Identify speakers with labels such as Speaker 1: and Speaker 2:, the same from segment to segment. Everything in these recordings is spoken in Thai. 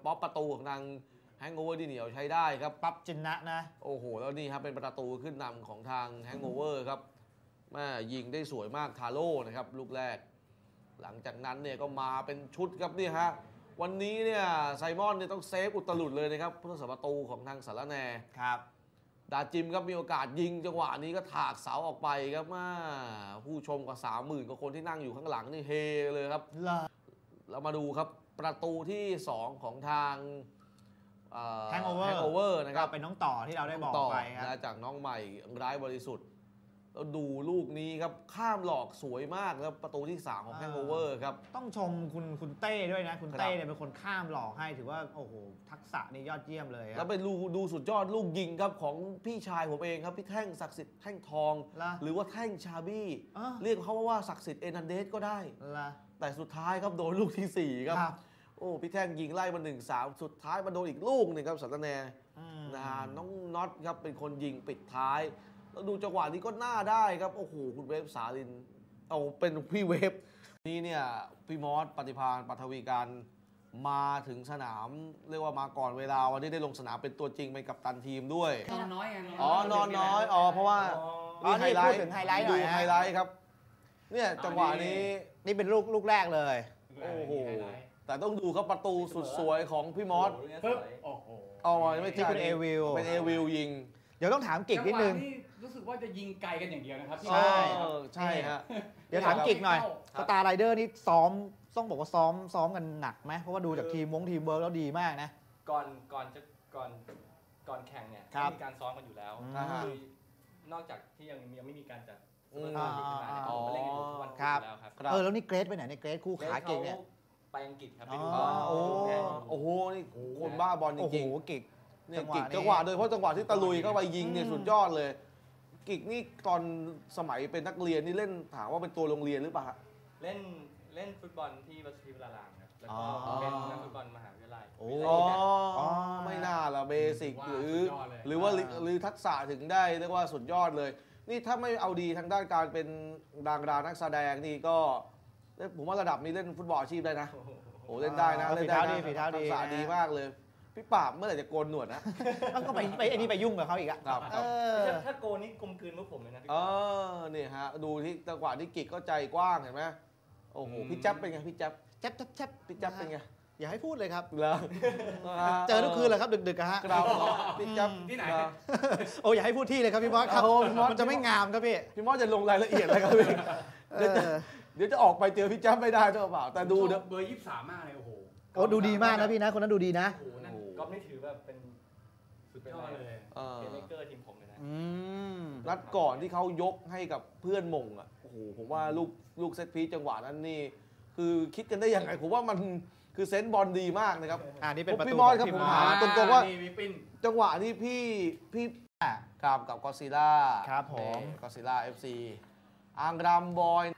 Speaker 1: ป๊อปประตูของทางแฮงโอเวอร์ที่เหนียวใช้ได้ครับ
Speaker 2: ปั๊บจินนะ
Speaker 1: โอ้โหแล้วนี่ครับเป็นประตูขึ้นนำของทางแฮงโอเวอร์ครับแม่ยิงได้สวยมากทาโร่นะครับลูกแรกหลังจากนั้นเนี่ยก็มาเป็นชุดครับนี่ฮะวันนี้เนี่ยไซมอนเนี่ยต้องเซฟอุตลุดเลยนะครับผู้รักษาประตูของทางสารแน
Speaker 2: ครับ
Speaker 1: ดาจิมครับมีโอกาสยิงจังหวะนี้ก็ถากเสาออกไปครับมาผู้ชมกว่า 30,000 กว่าคนที่นั่งอยู่ข้างหลังนี่เฮเลยครับเรามาดูครับประตูที่2ของทาง
Speaker 2: แฮงโอเวอร์นะครับเป็นน้องต่อที่เราได้บอกไปครับ
Speaker 1: จากน้องใหม่ร้ายบริสุทธิ์แล้วดูลูกนี้ครับข้ามหลอกสวยมากครับประตูที่3ของแฮงโอเวอร์ครับ
Speaker 2: ต้องชมคุณเต้ด้วยนะคุณเต้เนี่ยเป็นคนข้ามหลอกให้ถือว่าโอ้โหทักษะนี่ยอดเยี่ยมเลยครับ
Speaker 1: แล้วไปดูสุดยอดลูกยิงครับของพี่ชายผมเองครับพี่แท่งศักดิ์สิทธิ์แท่งทองหรือว่าแท่งชาบี้เรียกเขาว่าศักดิ์สิทธิ์เอนันเดสก็ได้แต่สุดท้ายครับโดนลูกที่4ครับโอ้พี่แท่งยิงไล่มา 1-3 สุดท้ายมาโดนอีกลูกหนึ่งครับสัตแนน้องน็อตครับเป็นคนยิงปิดท้ายแล้วดูจังหวะนี้ก็น่าได้ครับโอ้โหคุณเวฟสาลินเอาเป็นพี่เวฟนี่เนี่ยพี่มอสปฏิภาณปัทวีการมาถึงสนามเรียกว่ามาก่อนเวลาวันนี้ได้ลงสนามเป็นตัวจริงเป็นกัปตันทีมด้วย
Speaker 3: นอนน้อย
Speaker 1: นอนน้อยเพราะว่า
Speaker 2: นี่พูดถึงไฮไลท์หน่อย
Speaker 1: ดูไฮไลท์ครับเนี่ยจังหวะนี้
Speaker 2: นี่เป็นลูกแรกเลย
Speaker 1: โอ้โหแต่ต้องดูครับประตูสุดสวยของพี่มอส
Speaker 3: โอ้โห
Speaker 1: ไม่
Speaker 2: ที่เป็นเอ
Speaker 1: วิลยิง
Speaker 2: เดี๋ยวต้องถามกิกนิดนึง
Speaker 3: รู้สึกว่าจะยิงไกลกันอย่างเดียวนะครับ
Speaker 1: ใช่ฮะ
Speaker 2: เดี๋ยวถามกิกหน่อยสตาร์ไรเดอร์นี่ซ้อมต้องบอกว่าซ้อมกันหนักไหมเพราะว่าดูจากทีมเวิร์กแล้วดีมากนะ
Speaker 4: ก่อนแข่งเนี่ยมีการซ้อมกันอยู่แล้วคือนอกจากที่ยังไม่มีการจัดมาเล่นกันทุกวันแล้วครับ
Speaker 2: แล้วนี่เกรดไปไหนในเกรดคู่ขาเก่งเนี่ย
Speaker 4: ไปอังกฤษครับไปดูบอล
Speaker 1: โอ้โหนี่คนบ้าบอลจริง
Speaker 2: ๆกิก
Speaker 1: เนี่ยกิกจังหวะโดยเฉพาะจังหวะที่ตะลุยเข้าไปยิงเนี่ยสุดยอดเลยกิกนี่ตอนสมัยเป็นนักเรียนนี่เล่นถามว่าเป็นตัวโรงเรียนหรือเปล่า
Speaker 4: เล่นฟุตบอลที่วัดศรีวรารามครับแล้วก็เป็นนักฟุตบอลมหาวิทยาลัย
Speaker 1: ไม่น่าละเบสิกหรือว่าทักษะถึงได้เรียกว่าสุดยอดเลยนี่ถ้าไม่เอาดีทางด้านการเป็นดารานักแสดงนี่ก็ผมว่าระดับนี้เล่นฟุตบอลอาชีพได้นะโอ้เล่นได้นะ
Speaker 2: เล่นได้นะ
Speaker 1: ทักษะดีมากเลยพี่ปราบเมื่อไหร่จะโกนหนวดนะ
Speaker 2: ก็ไปไอ้นี่ไปยุ่งกับเขาอีกอะ
Speaker 4: ถ้าโกนนี่กลมกลืนพวกผมเลยนะ
Speaker 1: นี่ฮะดูที่จังหวะที่กิกก็ใจกว้างเห็นไหมโอ้โหพี่จับเป็นไงพี่จับพี่จับเป็นไง
Speaker 2: อย่าให้พูดเลยครับ
Speaker 1: เ
Speaker 2: จอทุกคืนเลยครับดึกๆฮะ
Speaker 1: พี่จับ
Speaker 3: ที่ไหน
Speaker 2: โอ้อย่าให้พูดที่เลยครับพี่มอสครับมันจะไม่งามครับพี่
Speaker 1: มอสจะลงรายละเอียดอะไรครับพี่เดี๋ยวจะออกไปเจอพี่จับไม่ได้หรือเปล่าแต่ดู
Speaker 3: เบอร์23มากเลยโอ้โห
Speaker 2: ดูดีมากนะพี่นะคนนั้นดูดีนะ
Speaker 4: ก็ไม่ถือแบบเป็นสุดยอดเลยเกมเมเกอร์ทีมผมเลยนะ
Speaker 1: นัดก่อนที่เขายกให้กับเพื่อนมงอ่ะโอ้โหผมว่าลูกเซตพีซจังหวะนั้นนี่คือคิดกันได้ยังไงผมว่ามันคือเซนส์บอลดีมากนะครับ
Speaker 2: นี่เป็นประตู
Speaker 1: พี่มอสครับผมถามตรงๆว่าจังหวะที่พี่กับกอซิล่า
Speaker 2: ครับผม
Speaker 1: กอซิล่า FC อังรามบอย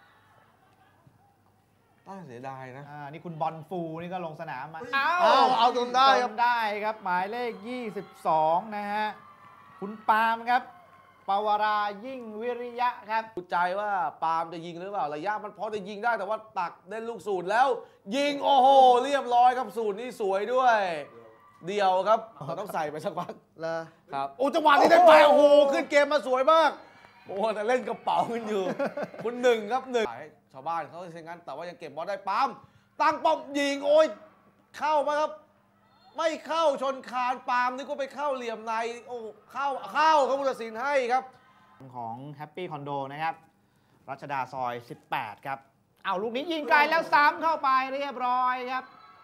Speaker 1: เสียดายนะ
Speaker 2: นี่คุณบอลฟูนี่ก็ลงสนามมา
Speaker 1: เอาจนได้
Speaker 2: ครับหมายเลข22นะฮะคุณปาล์มครับปวรายิ่งวิริยะครับ
Speaker 1: ดูใจว่าปาล์มจะยิงหรือเปล่าระยะมันพอจะยิงได้แต่ว่าตักเล่นลูกสูตรแล้วยิงโอ้โหเรียบร้อยครับสูตรนี่สวยด้วยเดียวครับต้องใส่ไปสักพักครับโอ้จังหวะนี้ได้ไปโอ้โหขึ้นเกมมาสวยมากโอ้แต่เล่นกระเป๋ากันอยู่คุณหนึ่งครับชาวบ้านเขาเช่นนั้นแต่ว่ายังเก็บบอลได้ปั๊มตั้งป้อมยิงโอ้ยเข้ามาครับไม่เข้าชนคานปามนี่ก็ไปเข้าเหลี่ยมในโอ้เข้าครับผู้ตัดสินให้ครับ
Speaker 2: ของแฮปปี้คอนโดนะครับรัชดาซอย18ครับเอาลูกนี้ยิงไกลแล้วซ้ำเข้าไปเรียบร้อยครับ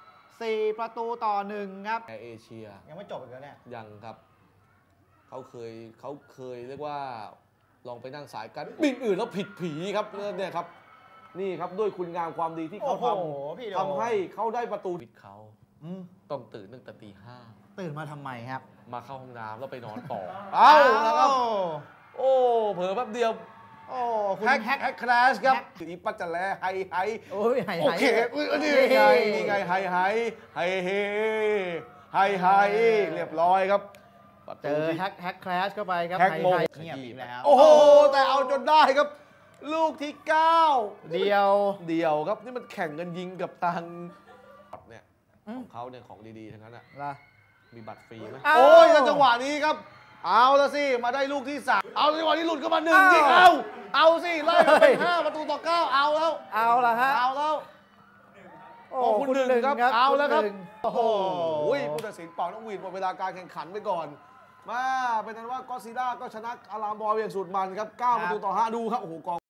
Speaker 2: 4-1ครับ
Speaker 1: เอเชีย
Speaker 2: ยังไม่จบอีกแล้วเนี่ย
Speaker 1: ยังครับเขาเคยเรียกว่าลองไปนั่งสายกันบินอื่นแล้วผิดผีครับเนี่ยครับนี่ครับด้วยคุณงามความดีที่เขาทำให้เขาได้ประตูผิดเขาต้องตื่นตั้งแต่ตี 5
Speaker 2: ตื่นมาทำไมครับ
Speaker 1: มาเข้าห้องน้ำแล้วไปนอนต่อเอาแล้วครับโอ้เผลอแป๊บเดียว
Speaker 2: โอ้
Speaker 1: แฮกคลาสครับอีปัจจะแลไฮโอเคนี่ไงไฮเรียบร้อยครับ
Speaker 2: เจอแฮกคลาสเข้าไปครับ
Speaker 1: แฮกโม
Speaker 2: เงียบอีกแล้ว
Speaker 1: โอ้โหแต่เอาจนได้ครับลูกที่9
Speaker 2: เดียว
Speaker 1: ครับนี่มันแข่งกันยิงกับทางเนี่ยของเขาเนี่ยของดีๆทั้งนั้นอ่ะ
Speaker 2: ล่ะ
Speaker 1: มีบัตรฟรีไหม
Speaker 2: อ้าว
Speaker 1: โอ้ยแล้วจังหวะนี้ครับ เอาละสิ มาได้ลูกที่ 3 เอาจังหวะนี้หลุดเข้ามา1ยิงเอาสิไล่มาเป็น5-9เอาแล้ว
Speaker 2: เอาละฮะ
Speaker 1: เอาแล้ว
Speaker 2: โอ้
Speaker 1: โอ้คุณหนึ่งครับเอาแล้วครับ
Speaker 2: ณหนึ่ง
Speaker 1: โอ้โหผู้ตัดสินเป่าน้องหวีดหมดเวลาการแข่งขันไปก่อน มาเป็นนั้นว่าก็อดซิลล่าก็ชนะอารามบอยอย่างสุดมันครับ9-5ดูครับโอ้โหกอง